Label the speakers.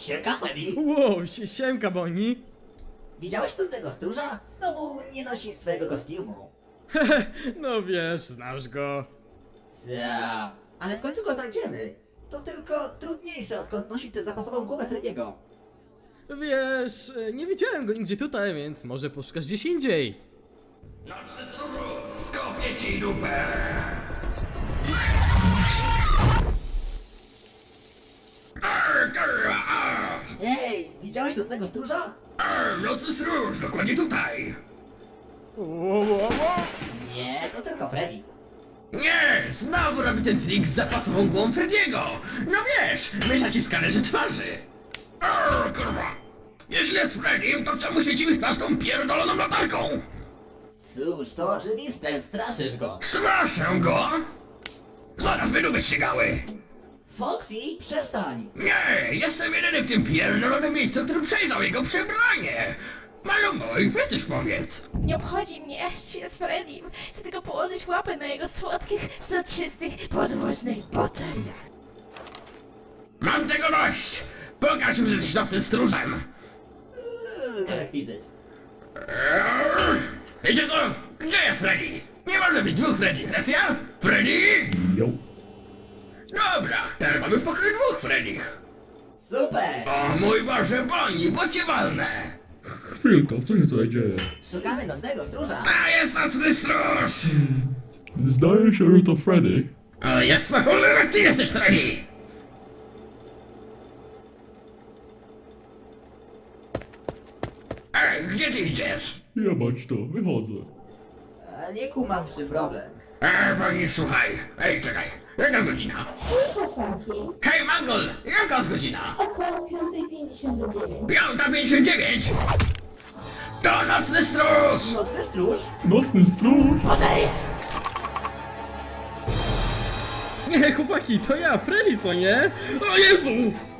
Speaker 1: Siemka, Freddy!
Speaker 2: Wow, siemka, Bonnie.
Speaker 1: Widziałeś to z tego stróża? Znowu nie nosi swojego kostiumu.
Speaker 2: No wiesz, znasz go.
Speaker 1: Cia. Ale w końcu go znajdziemy. To tylko trudniejsze, odkąd nosi tę zapasową głowę Freddy'ego.
Speaker 2: Wiesz, nie widziałem go nigdzie tutaj, więc może poszukasz gdzieś indziej.
Speaker 3: Nocny stróżu, skopię ci dupę!
Speaker 1: Ej, widziałeś nocnego stróża?
Speaker 3: Nocny stróż, dokładnie tutaj!
Speaker 1: Nie, to tylko Freddy.
Speaker 3: Nie! Znowu robi ten trik z zapasową głową Frediego! No wiesz, myśla ci w skanerze twarzy! Kurwa! Jeśli jest Freddym, to czemu świecimy w twarz tą pierdoloną latarką?
Speaker 1: Cóż, to oczywiste, straszysz go.
Speaker 3: Straszę go! Zaraz wydubić się gały!
Speaker 1: Foxy, przestań!
Speaker 3: Nie! Jestem jedyny w tym pierdolonym miejscu, który przejrzał jego przebranie! Malumbo, i ty też powiedz!
Speaker 4: Nie obchodzi mnie, czy jest Freddym. Chcę tylko położyć łapę na jego słodkich, soczystych, podwóznych bateriach.
Speaker 3: Mam tego dość! Pokaż mi, że jesteś nocnym stróżem!
Speaker 1: To rekwizyt.
Speaker 3: Wiecie co? Gdzie jest Freddy? Nie może być dwóch Freddy, racja? Freddy? Dobra, teraz mamy w pokoju dwóch Freddych.
Speaker 1: Super!
Speaker 3: O mój Boże, Bonnie, bo cię walnę!
Speaker 5: Chwilka, co się tutaj dzieje?
Speaker 1: Szukamy nocnego stróża.
Speaker 3: A jest nocny stróż!
Speaker 5: Zdaje się, że to Freddy.
Speaker 3: O jasna cholera, ty jesteś Freddy! Ej, gdzie ty idziesz?
Speaker 5: Jebać to, wychodzę.
Speaker 1: A nie kumam, w czym problem.
Speaker 3: Bonnie, słuchaj. Ej, czekaj, jaka godzina?
Speaker 6: Chłopaki,
Speaker 3: Hej, Mangol, jaka jest godzina?
Speaker 6: około 5:59.
Speaker 3: 5:59? To nocny stróż!
Speaker 1: Nocny stróż?
Speaker 5: Nocny stróż?
Speaker 4: Baterie!
Speaker 2: Nie, chłopaki, to ja, Freddy, co nie? O Jezu!